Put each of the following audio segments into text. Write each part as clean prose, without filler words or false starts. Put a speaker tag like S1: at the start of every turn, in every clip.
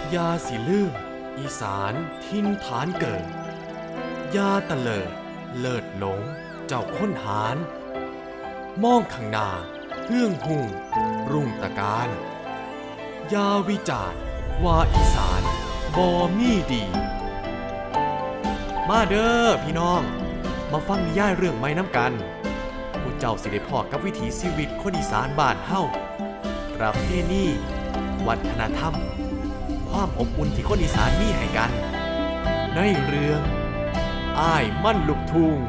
S1: ยาสิลืมอีสานทินฐานเกิดยาตะเลิดเลิศหลงเจ้าค้นหารมองข้างหน้าเฮื่องหุ่งรุ่งตะการยาวิจารณ์ว่าอีสานบ่มีดี มาเด้อพี่น้องมาฟังนิยายเรื่องใหม่น้ำกันผู้เจ้าสิได้พอกับวิถีชีวิตคนอีสานบ้านเฮาประเพณีวัฒนธรรมความอบอุ่นที่คนอีสานมีให้กันในเรื่องอ้ายมั่นลูกทุ่ง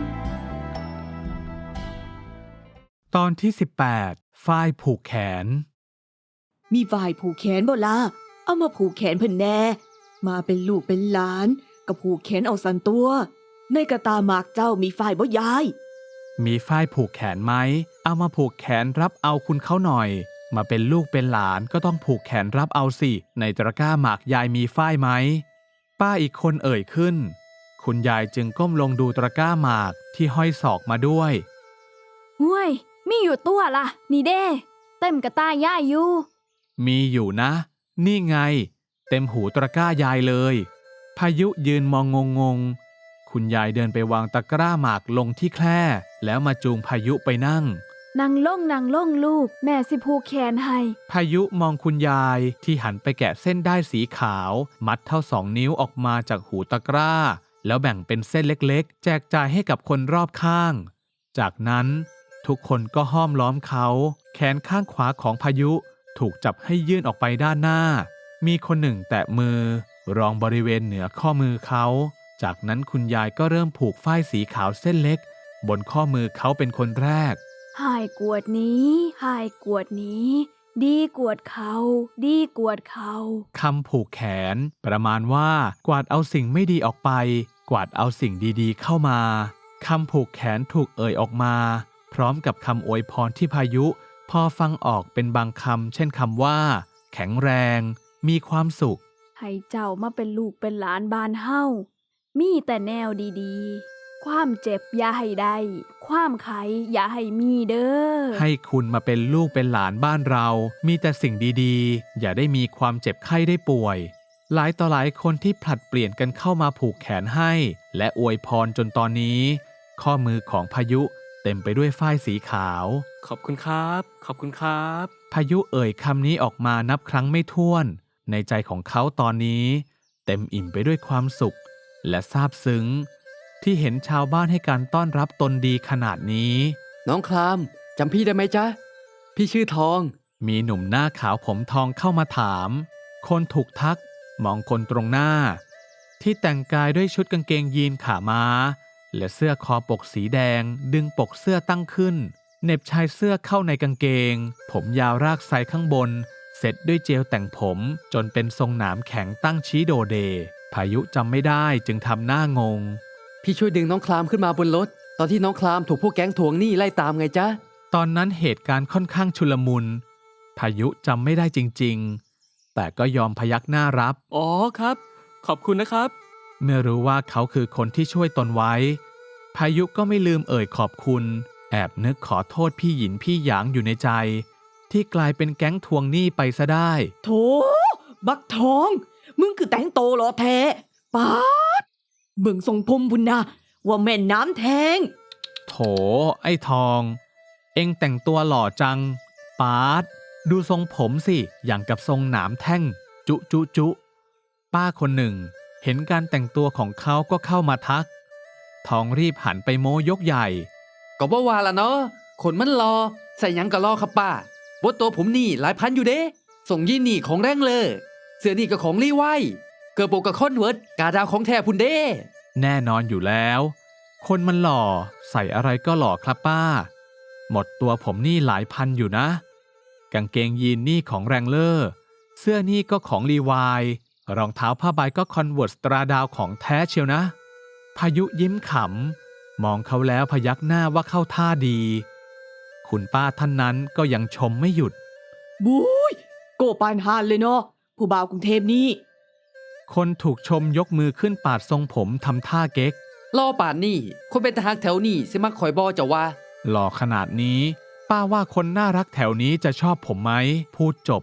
S2: ตอนที่18ฝ้ายผูกแขน
S3: มีฝ่ายผูกแขนบ่ล่ะเอามาผูกแขนเพิ่นแน่มาเป็นลูกเป็นหลานก็ผูกแขนเอาสันตัวในกระตาหมากเจ้ามีฝ่ายบ่ยาย
S2: มีฝ้ายผูกแขนไหมเอามาผูกแขนรับเอาคุณเขาหน่อยมาเป็นลูกเป็นหลานก็ต้องผูกแขนรับเอาสิในตะกร้าหมากยายมีฝ้ายไหมป้าอีกคนเอ่ยขึ้นคุณยายจึงก้มลงดูตะกร้าหมากที่ห้อยศอกมาด้วย
S4: ห้วยมีอยู่ตัวล่ะนี่เด้เต็มกระตาย่ายอยู่
S2: มีอยู่นะนี่ไงเต็มหูตะกร้ายายเลยพายุยืนมองงงคุณยายเดินไปวางตะกร้าหมากลงที่แคร่แล้วมาจูงพายุไปนั่ง
S4: นั่งลงลูกแม่สิผูกแขนให้
S2: พายุมองคุณยายที่หันไปแกะเส้นด้ายสีขาวมัดเท่า2 นิ้วออกมาจากหูตะกร้าแล้วแบ่งเป็นเส้นเล็กๆแจกจ่ายให้กับคนรอบข้างจากนั้นทุกคนก็ห้อมล้อมเขาแขนข้างขวาของพายุถูกจับให้ยื่นออกไปด้านหน้ามีคนหนึ่งแตะมือรองบริเวณเหนือข้อมือเขาจากนั้นคุณยายก็เริ่มผูกฝ้ายสีขาวเส้นเล็กบนข้อมือเขาเป็นคนแรก
S4: หายกวดนี้หายกวดนี้ดีกวดเขาดีกวดเขา
S2: คำผูกแขนประมาณว่ากวาดเอาสิ่งไม่ดีออกไปกวาดเอาสิ่งดีๆเข้ามาคำผูกแขนถูกเอ่ยออกมาพร้อมกับคำอวยพรที่พายุพอฟังออกเป็นบางคำเช่นคำว่าแข็งแรงมีความสุข
S4: ให้เจ้ามาเป็นลูกเป็นหลานบ้านเฮามีแต่แนวดีๆความเจ็บอย่าให้ได้ความไขอย่าให้มีเด้อ
S2: ให้คุณมาเป็นลูกเป็นหลานบ้านเรามีแต่สิ่งดีๆอย่าได้มีความเจ็บไข้ได้ป่วยหลายต่อหลายคนที่ผลัดเปลี่ยนกันเข้ามาผูกแขนให้และอวยพรจนตอนนี้ข้อมือของพายุเต็มไปด้วยฝ้ายสีขาว
S1: ขอบคุณครับขอบคุณครับ
S2: พายุเอ่ยคำนี้ออกมานับครั้งไม่ถ้วนในใจของเขาตอนนี้เต็มอิ่มไปด้วยความสุขและซาบซึ้งที่เห็นชาวบ้านให้การต้อนรับตนดีขนาดนี้
S5: น้องคลามจำพี่ได้ไหมจ๊ะพี่ชื่อทอง
S2: มีหนุ่มหน้าขาวผมทองเข้ามาถามคนถูกทักมองคนตรงหน้าที่แต่งกายด้วยชุดกางเกงยีนขาม้าและเสื้อคอปกสีแดงดึงปกเสื้อตั้งขึ้นเหน็บชายเสื้อเข้าในกางเกงผมยาวรากไซข้างบนเสร็จด้วยเจลแต่งผมจนเป็นทรงหนามแข็งตั้งชี้โดเดพายุจำไม่ได้จึงทำหน้างง
S5: พี่ช่วยดึงน้องคลามขึ้นมาบนรถตอนที่น้องคลามถูกพวกแก๊งทวงหนี้ไล่ตามไงจ๊ะ
S2: ตอนนั้นเหตุการณ์ค่อนข้างชุลมุนพายุจำไม่ได้จริงๆแต่ก็ยอมพยักหน้ารับ
S1: อ๋อครับขอบคุณนะครับ
S2: เมื่อรู้ว่าเขาคือคนที่ช่วยตนไว้พายุก็ไม่ลืมเอ่ยขอบคุณแอบนึกขอโทษพี่หยินพี่หยางอยู่ในใจที่กลายเป็นแก๊งทวงหนี้ไปซะได้
S3: โถบักทองมึงคือแต่งโตเหรอแท้ป๊าดเบิ่งทรงผมพุ่นนะว่าแม่น้ำแทง
S2: โถไอ้ทองเอ็งแต่งตัวหล่อจังป๊าดดูทรงผมสิอย่างกับทรงหนามแท่งจุป้าคนหนึ่งเห็นการแต่งตัวของเขาก็เข้ามาทักทองรีบหันไปโม้ยกใหญ่
S5: ก็บ่ว่าละเนาะขนมันรอใส่หยังก็รอครับป้าบดตัวผมนี่หลายพันอยู่เด้ส่งยี่นี่ของแรงเลยเสื้อนี่ก็ของรีไวเกิดโปกกับคอนเวิร์ตกาดาวของแท้พุ่นเด้
S2: แน่นอนอยู่แล้วคนมันหล่อใส่อะไรก็หล่อครับป้าหมดตัวผมนี่หลายพันอยู่นะกางเกงยีนนี่ของแรงเลอร์เสื้อนี่ก็ของรีไวรองเท้าผ้าใบก็คอนเวิร์ตสตราดาวของแท้เชียวนะพายุยิ้มขำมองเขาแล้วพยักหน้าว่าเข้าท่าดีคุณป้าท่านนั้นก็ยังชมไม่หยุด
S3: บุ้ยโกปานฮานเลยเนาะผู้บ่าวกรุงเทพนี่
S2: คนถูกชมยกมือขึ้นปาดทรงผมทำท่าเก๊ก
S5: ล่อป่านนี่คนเป็นทหารแถวนี่สิมักคอยบอจะว่า
S2: หล่อขนาดนี้ป้าว่าคนน่ารักแถวนี้จะชอบผมไหมพูดจบ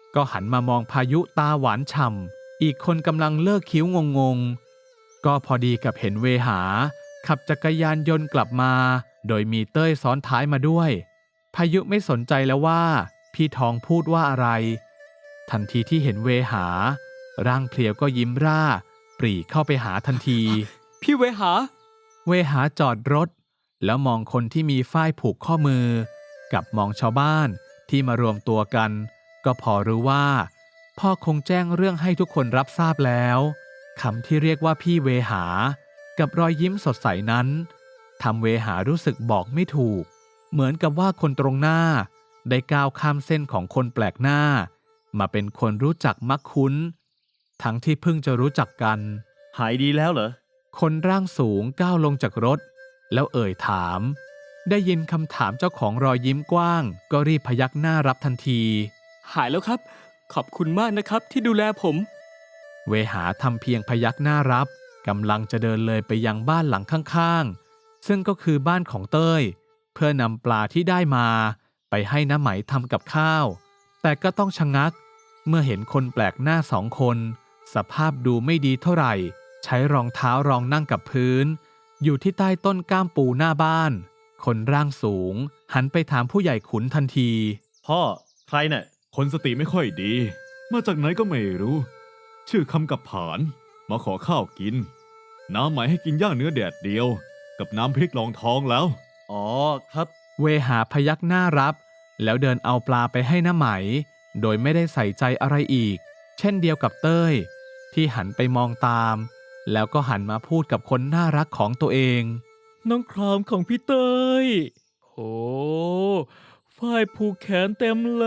S2: ก็หันมามองพายุตาหวานฉ่ำอีกคนกำลังเลิกคิ้วงงๆก็พอดีกับเห็นเวหาขับจักรยานยนต์กลับมาโดยมีเต้ยซ้อนท้ายมาด้วยพายุไม่สนใจแล้วว่าพี่ทองพูดว่าอะไรทันทีที่เห็นเวหาร่างเพลียวก็ยิ้มร่าปรีเข้าไปหาทันที
S6: พี่เวหา
S2: เวหาจอดรถแล้วมองคนที่มีฝ้ายผูกข้อมือกับมองชาวบ้านที่มารวมตัวกันก็พอรู้ว่าพ่อคงแจ้งเรื่องให้ทุกคนรับทราบแล้วคำที่เรียกว่าพี่เวหากับรอยยิ้มสดใสนั้นทำเวหารู้สึกบอกไม่ถูกเหมือนกับว่าคนตรงหน้าได้ก้าวข้ามเส้นของคนแปลกหน้ามาเป็นคนรู้จักมักคุ้นทั้งที่เพิ่งจะรู้จักกัน
S6: หายดีแล้วเหรอ
S2: คนร่างสูงก้าวลงจากรถแล้วเอ่ยถามได้ยินคำถามเจ้าของรอยยิ้มกว้างก็รีบพยักหน้ารับทันที
S6: หายแล้วครับ ขอบคุณมากนะครับที่ดูแลผม
S2: เวหาทำเพียงพยักหน้ารับกำลังจะเดินเลยไปยังบ้านหลังข้างๆซึ่งก็คือบ้านของเต้ยเพื่อนำปลาที่ได้มาไปให้น้าไหมทำกับข้าวแต่ก็ต้องชะงักเมื่อเห็นคนแปลกหน้า2 คนสภาพดูไม่ดีเท่าไหร่ใช้รองเท้ารองนั่งกับพื้นอยู่ที่ใต้ต้นก้ามปูหน้าบ้านคนร่างสูงหันไปถามผู้ใหญ่ขุนทันที
S7: พ่อใครน่ะคนสติไม่ค่อยดี มาจากไหนก็ไม่รู้ ชื่อคำกับผานมาขอข้าวกิน น้ำไหมให้กินย่างเนื้อแดดเดียว กับน้ำพริกรองท้องแล้ว
S6: อ๋อครับ
S2: เวหาพยักหน้ารับแล้วเดินเอาปลาไปให้น้าไหมโดยไม่ได้ใส่ใจอะไรอีกเช่นเดียวกับเต้ยที่หันไปมองตามแล้วก็หันมาพูดกับคนน่ารักของตัวเอง
S6: น้องครามของพี่เตยโหฝ้ายผูกแขนเต็มเลย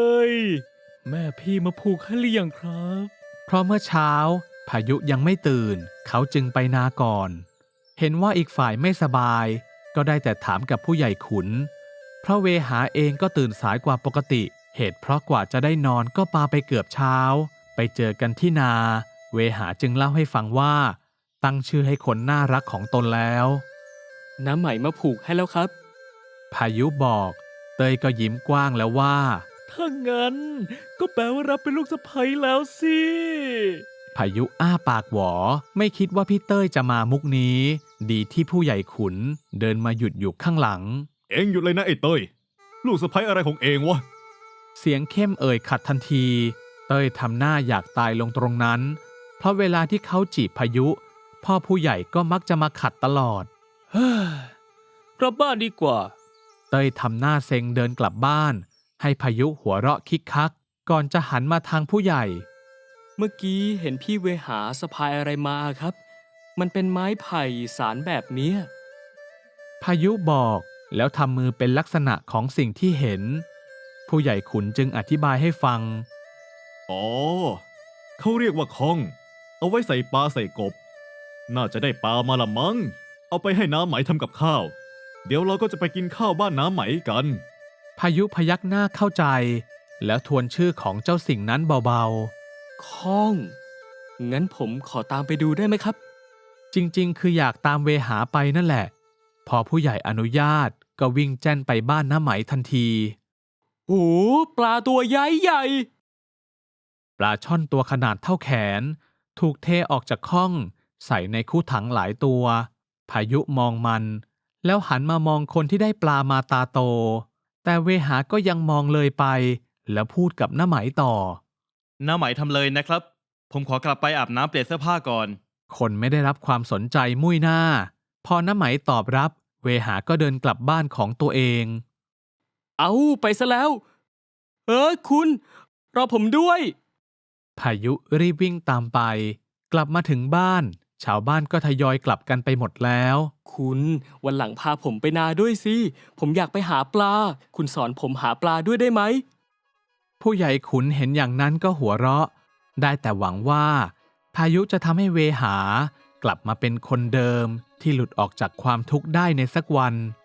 S6: แม่พี่มาผูกให้หรือยังครับ
S2: เพราะเมื่อเช้าพายุยังไม่ตื่นเขาจึงไปนาก่อนเห็นว่าอีกฝ่ายไม่สบายก็ได้แต่ถามกับผู้ใหญ่ขุนเพราะเวหาเองก็ตื่นสายกว่าปกติเหตุเพราะกว่าจะได้นอนก็ปาไปเกือบเช้าไปเจอกันที่นาเวหาจึงเล่าให้ฟังว่าตั้งชื่อให้คนน่ารักของตนแล้ว
S6: น้ำไหมมาผูกให้แล้วครับ
S2: พายุบอกเตยก็ยิ้มกว้างแล้วว่า
S6: ถ้างั้นก็แปลว่ารับเป็นลูกสะใภ้แล้วสิ
S2: พายุอ้าปากหวอไม่คิดว่าพี่เต้ยจะมามุกนี้ดีที่ผู้ใหญ่ขุนเดินมาหยุดอยู่ข้างหลัง
S7: เอ็งหยุดเลยนะไอ้เต้ย ลูกสะใภ้อะไรของเองวะ
S2: เสียงเข้มเอ่ยขัดทันทีเต้ยทำหน้าอยากตายลงตรงนั้นเพราะเวลาที่เขาจีบพายุพ่อผู้ใหญ่ก็มักจะมาขัดตลอด
S6: เฮ้ยกลับบ้านดีกว่า
S2: เต้ยทำหน้าเซ็งเดินกลับบ้านให้พายุหัวเราะคิกคักก่อนจะหันมาทางผู้ใหญ่
S6: เมื่อกี้เห็นพี่เวหาสะพายอะไรมาครับ มันเป็นไม้ไผ่สารแบบเนี้ย
S2: พายุบอกแล้วทำมือเป็นลักษณะของสิ่งที่เห็นผู้ใหญ่ขุนจึงอธิบายให้ฟัง
S7: อ๋อ เขาเรียกว่าค้อง เอาไว้ใส่ปลาใส่กบ น่าจะได้ปลามาละมั้ง เอาไปให้น้ำไหมทำกับข้าว เดี๋ยวเราก็จะไปกินข้าวบ้านน้ำไหมกัน
S2: พายุพยักหน้าเข้าใจแล้วทวนชื่อของเจ้าสิ่งนั้นเบา
S6: ข้อง งั้นผมขอตามไปดูได้ไหมครับ
S2: ๆจริงๆคืออยากตามเวหาไปนั่นแหละพอผู้ใหญ่อนุญาตก็วิ่งแจ้นไปบ้านน้าไหมทันที
S6: โอ้ปลาตัวใหญ่ใหญ่
S2: ปลาช่อนตัวขนาดเท่าแขนถูกเทออกจากข้องใส่ในคู่ถังหลายตัวพายุมองมันแล้วหันมามองคนที่ได้ปลามาตาโตแต่เวหาก็ยังมองเลยไปแล้วพูดกับน้าไหมต่อ
S8: น้าไหมทำเลยนะครับ ผมขอกลับไปอาบน้ำเปลี่ยนเสื้อผ้าก่อน
S2: คนไม่ได้รับความสนใจมุ่ยหน้าพอน้าไหมตอบรับเวหาก็เดินกลับบ้านของตัวเอง
S6: เอาไปซะแล้ว คุณ รอผมด้วย
S2: พายุรีบวิ่งตามไปกลับมาถึงบ้านชาวบ้านก็ทยอยกลับกันไปหมดแล้ว
S6: คุณวันหลังพาผมไปนาด้วยสิ ผมอยากไปหาปลา คุณสอนผมหาปลาด้วยได้ไหม
S2: ผู้ใหญ่ขุนเห็นอย่างนั้นก็หัวเราะได้แต่หวังว่าพายุจะทำให้เวหากลับมาเป็นคนเดิมที่หลุดออกจากความทุกข์ได้ในสักวัน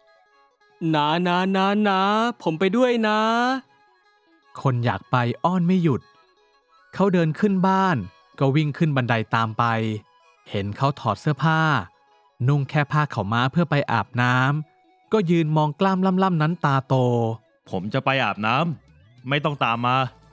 S6: นะ ผมไปด้วยนะ
S2: คนอยากไปอ้อนไม่หยุดเขาเดินขึ้นบ้านก็วิ่งขึ้นบันไดตามไปเห็นเขาถอดเสื้อผ้านุ่งแค่ผ้าขาวม้าเพื่อไปอาบน้ำก็ยืนมองกล้ามล่ำๆนั้นตาโต
S8: ผมจะไปอาบน้ำไม่ต้องตามมา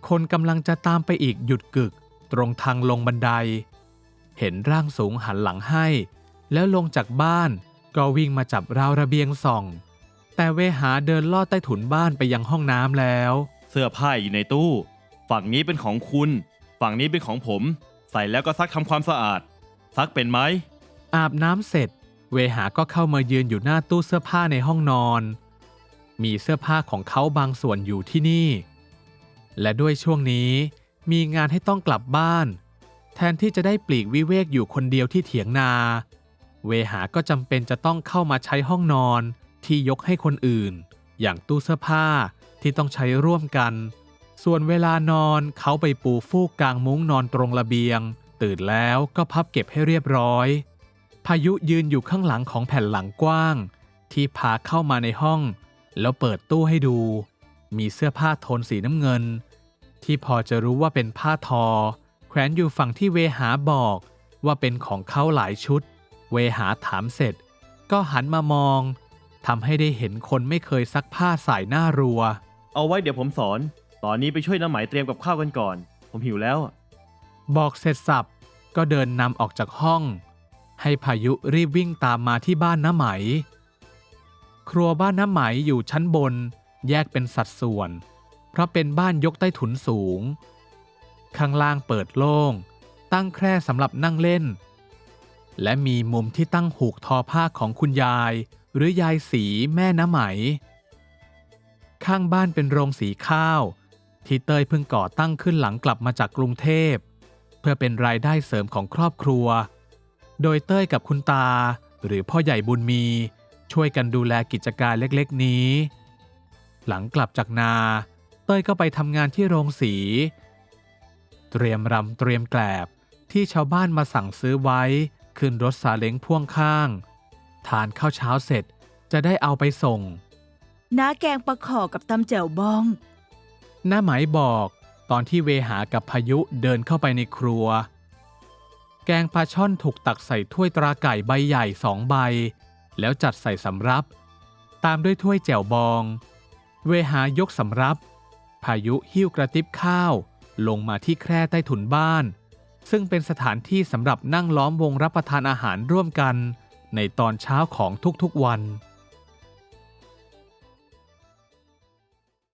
S2: คนกำลังจะตามไปอีกหยุดกึกตรงทางลงบันได เห็นร่างสูงหันหลังให้ แล้วลงจากบ้านก็วิ่งมาจับราวระเบียงส่อง แต่เวหาเดินลอดใต้ถุนบ้านไปยังห้องน้ำแล้ว
S8: เสื้อผ้าอยู่ในตู้ ฝั่งนี้เป็นของคุณ ฝั่งนี้เป็นของผม ใส่แล้วก็ซักทำความสะอาด ซักเป็นไหม
S2: อาบน้ำเสร็จ เวหาก็เข้ามายืนอยู่หน้าตู้เสื้อผ้าในห้องนอน มีเสื้อผ้าของเขาบางส่วนอยู่ที่นี่ และด้วยช่วงนี้มีงานให้ต้องกลับบ้าน แทนที่จะได้ปลีกวิเวกอยู่คนเดียวที่เถียงนา เวหาก็จำเป็นจะต้องเข้ามาใช้ห้องนอนที่ยกให้คนอื่น อย่างตู้เสื้อผ้าที่ต้องใช้ร่วมกัน ส่วนเวลานอนเขาไปปูฟูกกลางมุ้งนอนตรงระเบียง ตื่นแล้วก็พับเก็บให้เรียบร้อย พายุยืนอยู่ข้างหลังของแผ่นหลังกว้าง ที่พาเข้ามาในห้อง แล้วเปิดตู้ให้ดู มีเสื้อผ้าโทนสีน้ำเงิน ที่พอจะรู้ว่าเป็นผ้าทอ แขวนอยู่ฝั่งที่เวหาบอกว่าเป็นของเขาหลายชุด เวหาถามเสร็จ ก็หันมามองทำให้ได้เห็นคนไม่เคยซักผ้าใส่หน้ารัว
S8: เอาไว้เดี๋ยวผมสอน ตอนนี้ไปช่วยน้าไหมเตรียมกับข้าวกันก่อน ผมหิวแล้ว
S2: บอกเสร็จสับก็เดินนำออกจากห้อง ให้พายุรีบวิ่งตามมาที่บ้านน้าไหม ครัวบ้านน้าไหมอยู่ชั้นบนแยกเป็นสัดส่วน เพราะเป็นบ้านยกใต้ถุนสูง ข้างล่างเปิดโล่ง ตั้งแคร่สำหรับนั่งเล่น และมีมุมที่ตั้งหูกทอผ้าของคุณยายหรือยายสีแม่น้าไหม ข้างบ้านเป็นโรงสีข้าวที่เต้ยเพิ่งก่อตั้งขึ้นหลังกลับมาจากกรุงเทพเพื่อเป็นรายได้เสริมของครอบครัว โดยเต้ยกับคุณตาหรือพ่อใหญ่บุญมีช่วยกันดูแลกิจการเล็กๆนี้ หลังกลับจากนาเต้ยก็ไปทำงานที่โรงสีเตรียมรำเตรียมแกลบที่ชาวบ้านมาสั่งซื้อไว้ขึ้นรถซาเล้งพ่วงข้างทานข้าวเช้าเสร็จจะได้เอาไปส่ง
S9: น้าแกงปลาขอกับตำแจ่วบอง
S2: น้าไหมบอกตอนที่เวหากับพายุเดินเข้าไปในครัว แกงปลาช่อนถูกตักใส่ถ้วยตราไก่ใบใหญ่2 ใบแล้วจัดใส่สำรับตามด้วยถ้วยแจ่วบอง เวหายกสำรับพายุหิ้วกระติบข้าวลงมาที่แคร่ใต้ถุนบ้านซึ่งเป็นสถานที่สำหรับนั่งล้อมวงรับประทานอาหารร่วมกันในตอนเช้าของทุกๆวัน